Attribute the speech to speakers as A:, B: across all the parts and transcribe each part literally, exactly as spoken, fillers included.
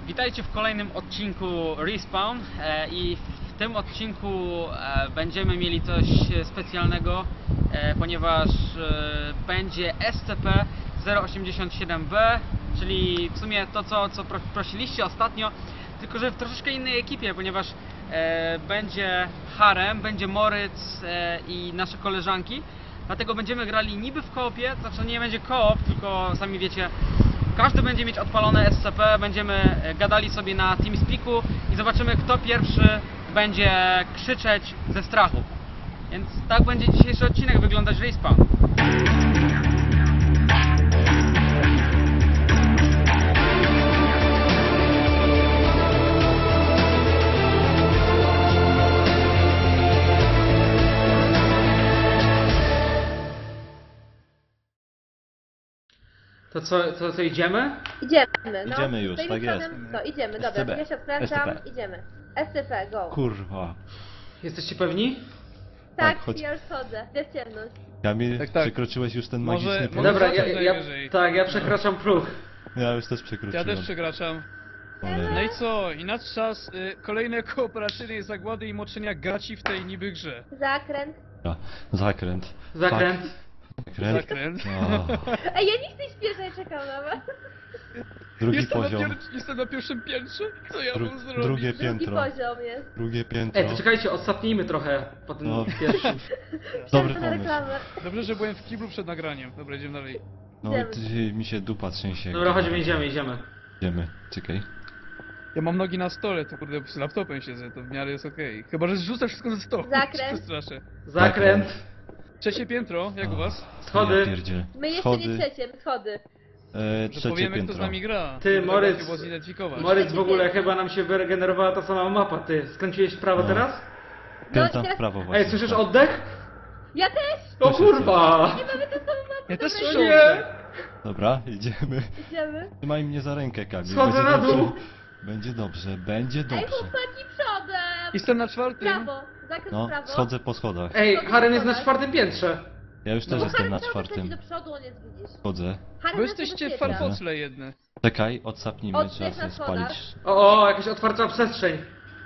A: Witajcie w kolejnym odcinku Respawn e, i w tym odcinku e, będziemy mieli coś specjalnego, e, ponieważ e, będzie S C P zero osiemdziesiąt siedem B, czyli w sumie to co, co prosiliście ostatnio, tylko że w troszeczkę innej ekipie, ponieważ e, będzie Harem, będzie Moritz e, i nasze koleżanki. Dlatego będziemy grali niby w koopie, to znaczy nie będzie koop, tylko sami wiecie, każdy będzie mieć odpalone S C P, będziemy gadali sobie na TeamSpeaku i zobaczymy, kto pierwszy będzie krzyczeć ze strachu. Więc tak będzie dzisiejszy odcinek wyglądać Respawn. To co, to co idziemy?
B: Idziemy, no.
C: Idziemy już,
B: Stoimy
C: tak jest.
B: przodem. No, idziemy, dobra,
C: S C P.
B: ja się odkręcam,
C: S C P.
B: idziemy. S C P, go.
C: Kurwa.
A: Jesteście pewni?
B: Tak,
C: tak, chodź.
B: ja już chodzę, jest ciemność.
C: Kamil,
D: Tak, tak.
C: przekroczyłeś już ten
D: Może-
C: magiczny próg?
D: może-
A: Dobra, ja,
D: zobaczę
A: ja,
D: najwyżej.
A: tak, ja przekraczam próg.
C: Ja już też
D: Ja
C: przekroczyłem.
D: też przekraczam.
C: Cholera.
D: No i co? I nadczas y, kolejnej kooperacyjnej zagłady i moczenia gaci w tej niby grze.
B: Zakręt.
C: Dobra, Zakręt.
A: Zakręt.
C: Fuck. Zakręt.
D: Zakręt.
C: O,
B: Ej, ja nie chcę śpieszać, czekam na was.
C: drugi
D: Jestem na,
C: poziom.
D: pier jestem na pierwszym piętrze? Co ja
C: Dru
D: mam zrobić?
C: drugie
B: Drugi
C: piętro.
B: poziom jest.
C: Drugie piętro.
A: Ej, to czekajcie, ostatnijmy trochę po tym
C: No.
A: pierwszym.
C: Dobry
B: Wsiądę na
C: pomysł.
B: reklamę.
D: Dobrze, że byłem w kiblu przed nagraniem. Dobra, idziemy dalej.
C: No
B: Idziemy.
C: ty, mi się dupa trzęsie.
A: Dobra, chodźmy, idziemy, idziemy.
C: Idziemy, czekaj.
D: Ja mam nogi na stole, to kurde z laptopem siedzę, to w miarę jest okej. Chyba, że zrzucę wszystko ze stołu.
B: Zakręt.
D: się przestraszę.
A: Zakręt.
D: Trzecie piętro, jak u was?
A: Schody.
C: Ja pierdzielę.
B: My jeszcze
C: Schody.
B: nie trzeciem, schody.
C: E,
D: Że
C: trzecie
D: powiemy,
C: piętro.
D: kto z nami gra.
A: Ty,
D: Żeby
A: Moritz.
D: łatwiej było zidentyfikować.
A: Moritz, w ogóle chyba nam się wyregenerowała ta sama mapa, ty. Skręciłeś w prawo
C: No.
A: teraz?
C: Kręcam
B: No i
C: w
B: teraz-
C: prawo właśnie.
A: Ej, słyszysz oddech?
B: Ja też!
A: O
C: Słyszę
A: kurwa!
B: Nie mamy tę samą mapę.
D: Ja też
B: dobra,
D: słyszę
A: nie.
D: oddech.
C: Dobra, idziemy.
B: Idziemy.
C: Trzymaj mnie za rękę, Kamil.
A: Schodzę
C: Będzie
A: na
C: dobrze.
A: dół.
C: Będzie dobrze, będzie
B: Ej,
C: dobrze.
B: chłopaki, przodem!
D: Jestem na czwartym.
B: Prawo, zakręt
C: No,
B: w prawo.
C: schodzę po schodach.
A: Ej, Harem jest na czwartym piętrze.
C: Ja już
B: No
C: też
B: bo
C: jestem
B: Harry
C: na
B: cały czas
C: czwartym.
B: leci do przodu, on jest, widzisz.
C: Chodzę.
B: Harry
D: Bo
B: nas
D: jesteście
B: zabezpiecza.
D: farfocle jedne.
C: Czekaj, odsapnijmy,
B: Oddech
C: trzeba
B: na
C: sobie
B: schodach.
C: spalić.
A: O, o, jakaś otwarta przestrzeń.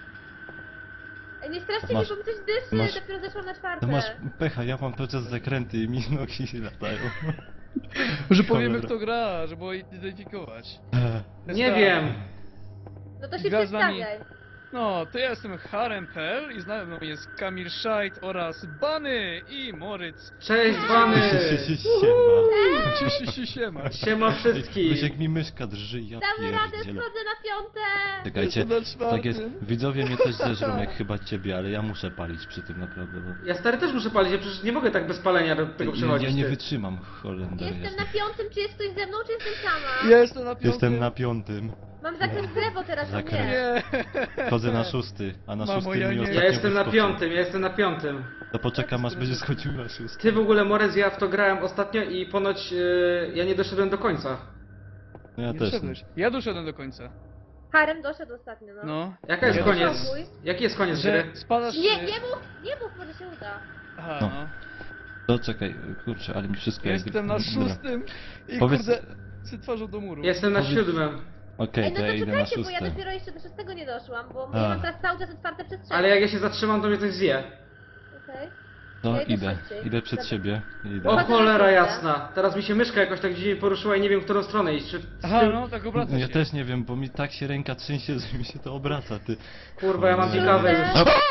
B: Ej, nie straszcie
C: Masz-
B: mnie, bo mi coś dyszy,
C: masz-
B: dopiero zeszłam na czwarte.
C: Ty masz pecha, ja mam cały czas zakręty i mi nogi się latają.
D: Że powiemy
C: Cholera.
D: kto gra, żeby identyfikować.
A: Nie
D: Jest
A: wiem.
B: No to się
D: Gra z nami.
B: przedstawiaj.
D: No, to ja jestem Harem kropka p l i z nami jest Kamil Szajt oraz Bany i Moritz.
A: Cześć, Bany.
C: Siema.
D: Cieszę się, siema.
A: Siema wszystkich.
C: Wysiek mi myszka drży, ja
B: Damy radę,
C: pierdzielę.
B: schodzę na piąte!
C: Czekajcie,
D: Jestem na czwartym.
C: tak jest, widzowie mnie też zeżrą jak chyba ciebie, ale ja muszę palić przy tym naprawdę, bo...
A: Ja stary też muszę palić, ja przecież nie mogę tak bez palenia do tego
C: Ja,
A: przychodzić.
C: ja nie
A: ty.
C: wytrzymam, Holender
B: Jestem
C: jest.
B: na piątym, czy jest ktoś ze mną, czy jestem sama?
D: Ja jestem na piątym.
C: Jestem na piątym,
B: Mam zakręt w lewo teraz, a
C: Zakręt.
B: nie.
D: Nie.
C: chodzę na szósty, a na
D: Mamo,
C: szóstym
D: ja
C: mi
D: nie.
C: ostatnio
A: Ja jestem na
C: wyskoczył.
A: piątym, ja jestem na piątym.
C: To poczekam aż będzie schodził na szósty.
A: Ty w ogóle, Morez, ja w to grałem ostatnio i ponoć yy, ja nie doszedłem do końca.
C: No ja
D: Nie
C: też.
D: doszedłeś. Ja doszedłem do końca.
B: Harem doszedł ostatnio, no.
D: No.
A: Jaka jest
D: Ja
A: koniec?
B: Spokój.
A: Jaki jest koniec
D: Że
A: gry?
D: spadasz...
B: Nie,
D: y,
B: nie mów, nie mów, może się uda.
D: Aha,
C: No.
D: no.
C: To czekaj, kurczę, ale mi wszystko
D: Ja
C: jak...
D: jestem na
C: Dobra.
D: szóstym i
C: Powiedz-
D: kurde... Z twarzą do muru.
A: Jestem na
C: Powiedz-
A: siódmym.
C: Okej,
B: Ej, no
C: to ja
B: to
C: idę na
B: czekajcie, bo ja
C: szóste.
B: dopiero jeszcze do szóstego nie doszłam, bo
C: A.
B: ja mam teraz cały czas otwarte przestrzenie.
A: Ale jak ja się zatrzymam, to mnie coś zje.
B: Okej.
C: No
B: Ja idę
C: idę,
B: szybciej.
C: idę przed
B: Dobra.
C: siebie. Idę.
A: O
B: Chodzę na
A: cholera
B: piąte.
A: jasna. Teraz mi się myszka jakoś tak dziwnie poruszyła i nie wiem, w którą stronę iść. Czy...
D: Aha, no tak obraca
C: No ja
D: się.
C: też nie wiem, bo mi tak się ręka trzęsie, że mi się to obraca, ty.
A: Kurwa, ja mam
C: Cholera.
A: ciekawe już.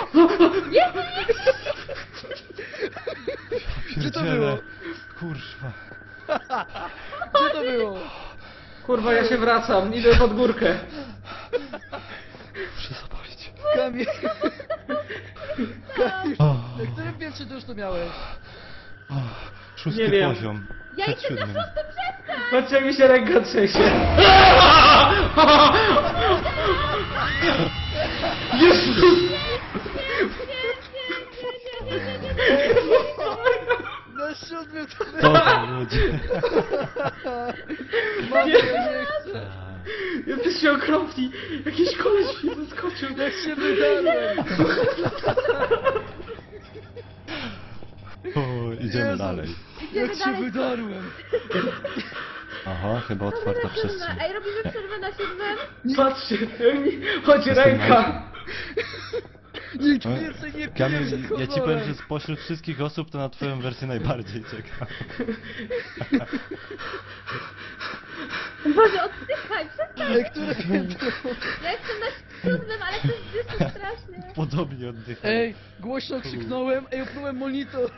D: Gdzie to
C: Pierdziele.
D: było?
C: Kurwa.
D: Gdzie to było?
A: Kurwa, ja się wracam, idę pod górkę.
C: Muszę zapalić.
D: Kamil... Kamil...
C: O,
D: Na którym piętrze ty już to miałeś?
C: o, szósty
A: Nie wiem.
C: poziom.
B: Ja
C: Przed
B: jestem na
C: siódmym.
B: szóstym, przestań!
A: Patrzcie, jak mi się ręka trzęsie. Jezus!
D: Na siódmym to
C: Co to ludzie?
D: Mam, ja nie chcę.
A: Jesteście okropni. Jakiś koleś mi wyskoczył.
D: Jak się wydarłem.
C: O, idziemy
D: Jezu.
C: dalej.
B: Idziemy
D: Jak się
B: dalej.
D: wydarłem.
C: Aha, chyba otwarta
B: Robimy przerwę.
C: przestrzeń.
B: Ej, robimy przerwę na siódmym.
E: Patrzcie, chodzi ręka.
D: Nikt więcej nie pije
C: Kamil,
D: przed
C: ja ci powiem,
D: horrorem.
C: że spośród wszystkich osób to na twoją wersję najbardziej czekam.
B: Boże, oddychaj, przestań.
D: Ej, które piętro?
B: Ja jestem na siódmym, ale to jest strasznie.
C: Podobnie oddycham.
D: Ej, głośno krzyknąłem, ej, oplułem monitor.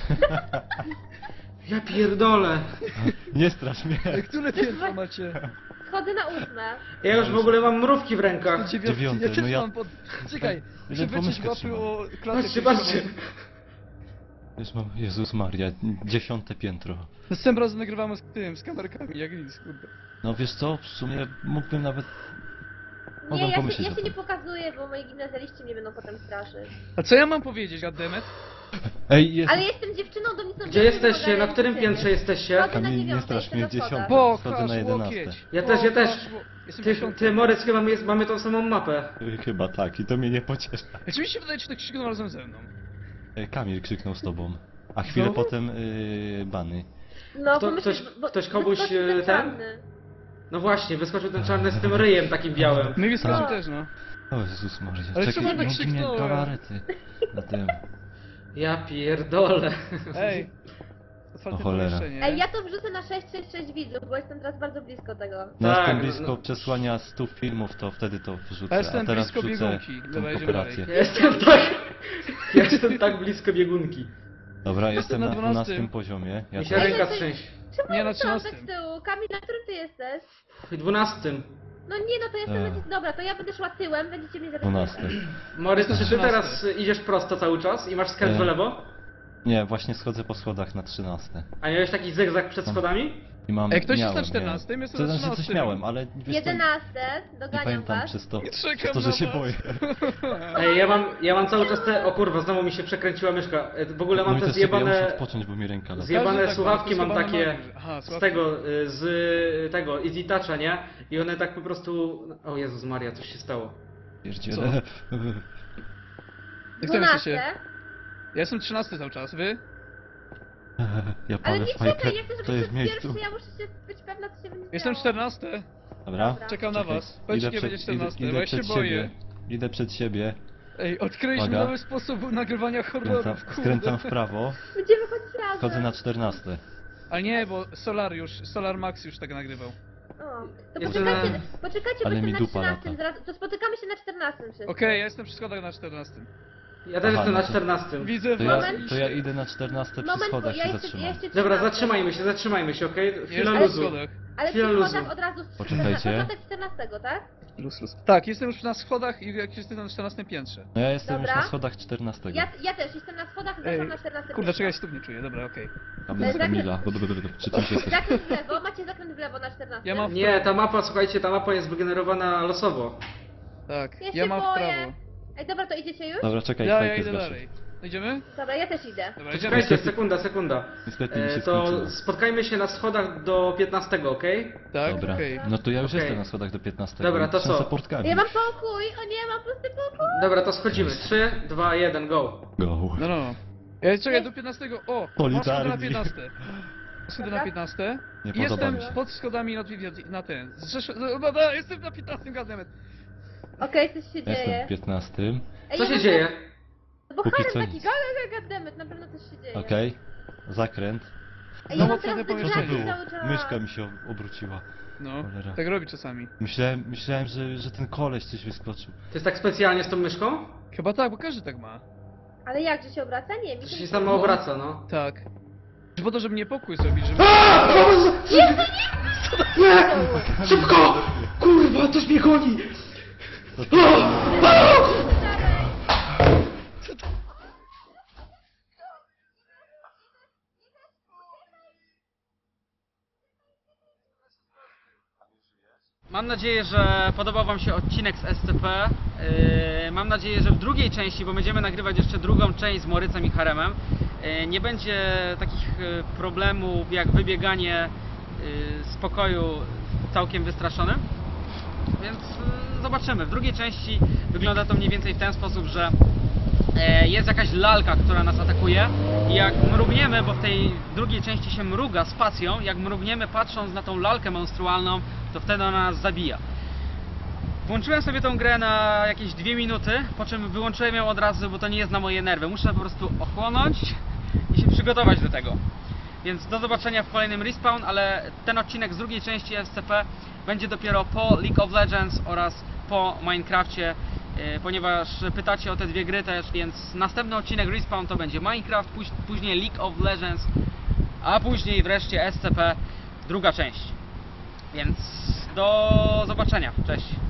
E: Ja pierdolę.
C: Nie strasz mnie.
D: Ej, które piętro macie?
B: Chodzę na ósme.
E: Ja już w ogóle mam mrówki w rękach.
D: Dziewiąte,
C: Dziewiąte,
D: ja też
C: no ja-
D: mam pod... Czekaj, muszę
C: Jeden
D: wyciąć
C: pomyśleć
D: łapy
C: trzeba.
D: o klatę
E: Patrzcie, patrzcie.
C: Już mam, Jezus Maria, dziesiąte piętro.
D: Następnym razem nagrywamy z tym, z kamerkami, jak nic, kurde.
C: No wiesz co, w sumie mógłbym nawet...
B: Nie,
C: Mogłem
B: ja się,
C: pomyśleć
B: ja
C: o
B: się
C: tym.
B: nie pokazuję, bo moi gimnazjaliści mnie będą potem straszyć.
D: A co ja mam powiedzieć, goddammit?
C: Ej, jest...
B: Ale jestem dziewczyną, do nic
E: Gdzie jesteście? Na którym piętrze jesteście?
B: Chodzę na
C: Kamil, nie
B: dziewiąte,
C: strasz
B: jestem
C: mnie,
B: na schodach.
C: dziesiąte.
D: Po,
C: Wchodzę
D: kasz,
C: na jedenaste.
D: łokieć.
E: Ja też, ja
D: Po,
E: też.
D: kasz, ło- Jestem
E: Ty,
D: dziesiąty.
E: ty Morec, chyba my jest, mamy tą samą mapę.
C: Chyba tak, i to mnie nie pociesza.
D: Jak mi się wydaje, czy tak krzyknął razem ze mną?
C: Ej, Kamil krzyknął z tobą. A chwilę
D: Znowu?
C: potem yy, bany.
B: No,
E: Kto-
B: bo
E: ktoś-
B: myślę, bo,
E: ktoś komuś,
B: wyskoczył
E: e,
B: ten
E: ten?
B: czarny.
E: No właśnie, wyskoczył ten czarny z tym ryjem takim białym.
D: My wyskoczył
B: Tak.
D: też, no.
C: O Jezus Maria,
D: Ale
C: czekaj,
D: czemu tak
C: no, mnie
D: krzyknąłem?
C: galarety na tym.
E: Ja pierdolę.
D: Ej. Otwarte
C: O cholera.
D: pomieszczenie.
B: Ej, ja to wrzucę na sześć sześć sześć widzów, bo jestem teraz bardzo blisko tego.
C: No
E: Tak,
C: jestem
E: no-
C: blisko
E: no-
C: przesłania stu filmów, to wtedy to wrzucę,
D: Ja jestem
C: a teraz
D: blisko
C: wrzucę
D: biegunki.
C: tą
D: Dobra, idziemy
C: operację.
E: Ja jestem tak... Ja jestem tak blisko biegunki.
C: Dobra, jestem
D: na
C: na
D: dwunastym.
C: dwunastym poziomie. Ja
E: Mi się
C: też.
E: ręka
B: to-
E: trzęsie.
B: Czemu
D: Nie,
B: ja
D: na
B: dostałam tak
D: trzynastym.
B: z tyłu? Kamil, na którym ty jesteś?
E: W dwunastym.
B: No nie, no to jestem...
C: Eee.
B: na- Dobra, to ja będę szła tyłem, będziecie mnie
C: dwunasty.
B: zabezpieczać.
E: Morec, czy ty
D: trzynasty.
E: teraz idziesz prosto cały czas i masz skręt w
C: E.
E: lewo?
C: Nie, właśnie schodzę po schodach na trzynaste.
E: A miałeś taki zygzak przed schodami?
C: I mam,
D: Ej, ktoś jest
C: miałem,
D: na czternastym,
C: miałem.
D: jestem
C: To
D: na
C: znaczy coś
D: trzynastym.
C: miałem, ale wiesz co,
B: jedenaste,
C: nie
B: doganiam
C: pamiętam
B: was.
C: przez to,
D: Nie
C: przez
D: czekam
C: to, że
D: na
C: się
D: was.
C: boję.
E: Ej, ja mam, ja mam cały czas te... O kurwa, znowu mi się przekręciła myszka. E, W ogóle
C: No
E: mam
C: i
E: te
C: też sobie, ja muszę
E: zjebane...
C: odpocząć, bo mi ręka lata.
E: Zjebane
D: Każdy tak ma,
E: słuchawki
D: to
E: mam
D: schowany
E: takie
D: ma. Aha,
E: z
D: słuchawki.
E: tego, y, z y, tego, Easy Toucha, nie? I one tak po prostu... O Jezus Maria, coś się stało.
C: Pierdziele.
D: Jak tam jesteście?
B: dwunaste.
D: Ja jestem trzynasty cały czas, wy?
C: Ja
B: Ale
C: palę
B: nie
C: fajkę,
B: czekaj, ja chcę,
C: to
B: żebyś
C: jest w
B: był
C: miejscu.
B: pierwszy, ja muszę się być pewna, co się będzie
D: Jestem
B: działo.
D: czternasty.
C: Dobra?
B: Dobra.
D: Czekam na
C: Czekaj,
D: was. Powiedzcie, kiedy będzie
C: idę,
D: czternasty, bo
C: idę
D: ja się
C: przed
D: boję.
C: siebie. Idę przed siebie.
D: Ej, odkryliśmy
C: Uwaga.
D: nowy sposób nagrywania
C: Skręcam,
D: horrorów, kurde.
C: skręcam w prawo.
B: Będziemy chodzić razem.
C: Chodzę na czternaste.
D: Ale nie, bo Solar już, Solar Max już tak nagrywał.
B: O, to
E: Jeszcze
B: poczekajcie,
E: na-
B: poczekajcie, bo
C: Ale
B: jestem
C: mi
B: na
C: dupa
B: trzynastym,
C: lata.
B: zaraz, to spotykamy się na czternastym wszyscy.
D: Okej, ja jestem przy schodach na czternastym.
E: Ja też
C: Aha,
E: jestem
C: no
E: na
C: to-
E: czternastym.
D: Widzę
C: To ja,
D: was.
C: to ja idę na czternaste przy
B: Moment, bo
C: schodach
B: ja
C: się
B: jeszcze, ja
C: zatrzymam.
B: jeszcze
E: Dobra,
B: trzymam.
E: zatrzymajmy się, zatrzymajmy się, okej? Chwila
D: Jestem w
E: luzu.
D: schodach.
B: Ale
E: Chwila
B: przy
E: luzu.
B: schodach od razu z
C: Poczekajcie.
B: początek czternastego, tak?
D: Luz, luz. Tak, jestem już na schodach i jak jestem na czternastym piętrze.
C: No ja jestem
B: Dobra.
C: już na schodach czternastego.
B: Ja, ja też jestem na schodach,
D: Ej,
B: zaczynam na czternastym.
D: kurde, czekaj, stóp nie czuję, dobra, okej.
C: Tam
B: Ej,
C: jest
B: zakręt-
C: Kamila. Przy czymś jesteś.
B: Zakręt w lewo, macie zakręt w lewo na czternastym.
D: Ja mam w
E: Nie,
D: prawo.
E: ta mapa, słuchajcie, ta mapa jest wygenerowana losowo.
D: Tak,
B: Ja,
D: ja
B: się
D: mam w
B: boję.
D: prawo.
B: Ej, dobra, to idziecie już?
C: Dobra, czekaj,
D: Ja, ja
C: fajkę
D: idę
C: zgaszę.
D: dalej. Idziemy?
B: Dobra, ja też idę.
D: Dobra,
E: To
D: idziemy.
E: czekajcie, sekunda, sekunda.
C: Niestety mi
E: E,
C: się
E: to
C: skończyło.
E: spotkajmy się na schodach do piętnastego, okej?
D: Tak,
C: Dobra,
D: okej.
C: no to ja już
E: Okej.
C: jestem na schodach do piętnastego.
E: Dobra, to
C: Trzęsę
E: co?
C: portkami.
B: Ja mam pokój! O nie, mam pusty pokój!
E: Dobra, to schodzimy. trzy, dwa, jeden, go.
C: Go.
D: No, no. Ja czekaj do piętnastego. O, masz schody na
C: Solidarni.
D: piętnaste. Schody na
B: Dobra.
D: piętnaste.
C: Nie
D: I
C: podoba
D: jestem
C: mi się.
D: pod schodami na, na ten. Zrzesz... no, no, no, jestem na piętnastym gazemet.
B: Okej, coś się
C: Jestem
B: dzieje.
C: w piętnastym.
B: Ej,
E: Co
B: ja
E: się
B: mam-
E: dzieje?
B: Bo
C: Póki
B: harem
C: co
B: taki,
C: nic.
B: gala, goddammit, na pewno coś się dzieje.
C: Okej. Zakręt.
B: Ej,
D: No
B: ja
D: bo
B: mam
D: co to
B: teraz
C: Co to
D: pomieszczenie?
B: wygrać
C: było?
B: cały czas.
C: Myszka mi się obróciła.
D: No,
C: Cholera.
D: tak robi czasami.
C: Myślałem, myślałem że, że ten koleś coś wyskoczył.
E: To jest tak specjalnie z tą myszką?
D: Chyba tak, bo każdy tak ma.
B: Ale jak, że się obraca? Nie, mi
E: To
B: się
E: się
B: nie
E: sama obraca, no.
D: Tak. Po to, żeby niepokój zrobić, żeby...
E: Nie! Szybko! Kurwa, coś mnie goni!
A: Mam nadzieję, że podobał Wam się odcinek z S C P. Yy, Mam nadzieję, że w drugiej części, bo będziemy nagrywać jeszcze drugą część z Morycem i Haremem, yy, nie będzie takich yy, problemów jak wybieganie yy, z pokoju całkiem wystraszonym. Więc yy, zobaczymy. W drugiej części wygląda to mniej więcej w ten sposób, że e, jest jakaś lalka, która nas atakuje i jak mrugniemy, bo w tej drugiej części się mruga spacją, jak mrugniemy patrząc na tą lalkę monstrualną, to wtedy ona nas zabija. Włączyłem sobie tą grę na jakieś dwie minuty, po czym wyłączyłem ją od razu, bo to nie jest na moje nerwy. Muszę po prostu ochłonąć i się przygotować do tego. Więc do zobaczenia w kolejnym Respawn, ale ten odcinek z drugiej części S C P będzie dopiero po League of Legends oraz po Minecrafcie, yy, ponieważ pytacie o te dwie gry też, więc następny odcinek Respawn to będzie Minecraft, póź później League of Legends, a później wreszcie S C P, druga część. Więc do zobaczenia, cześć!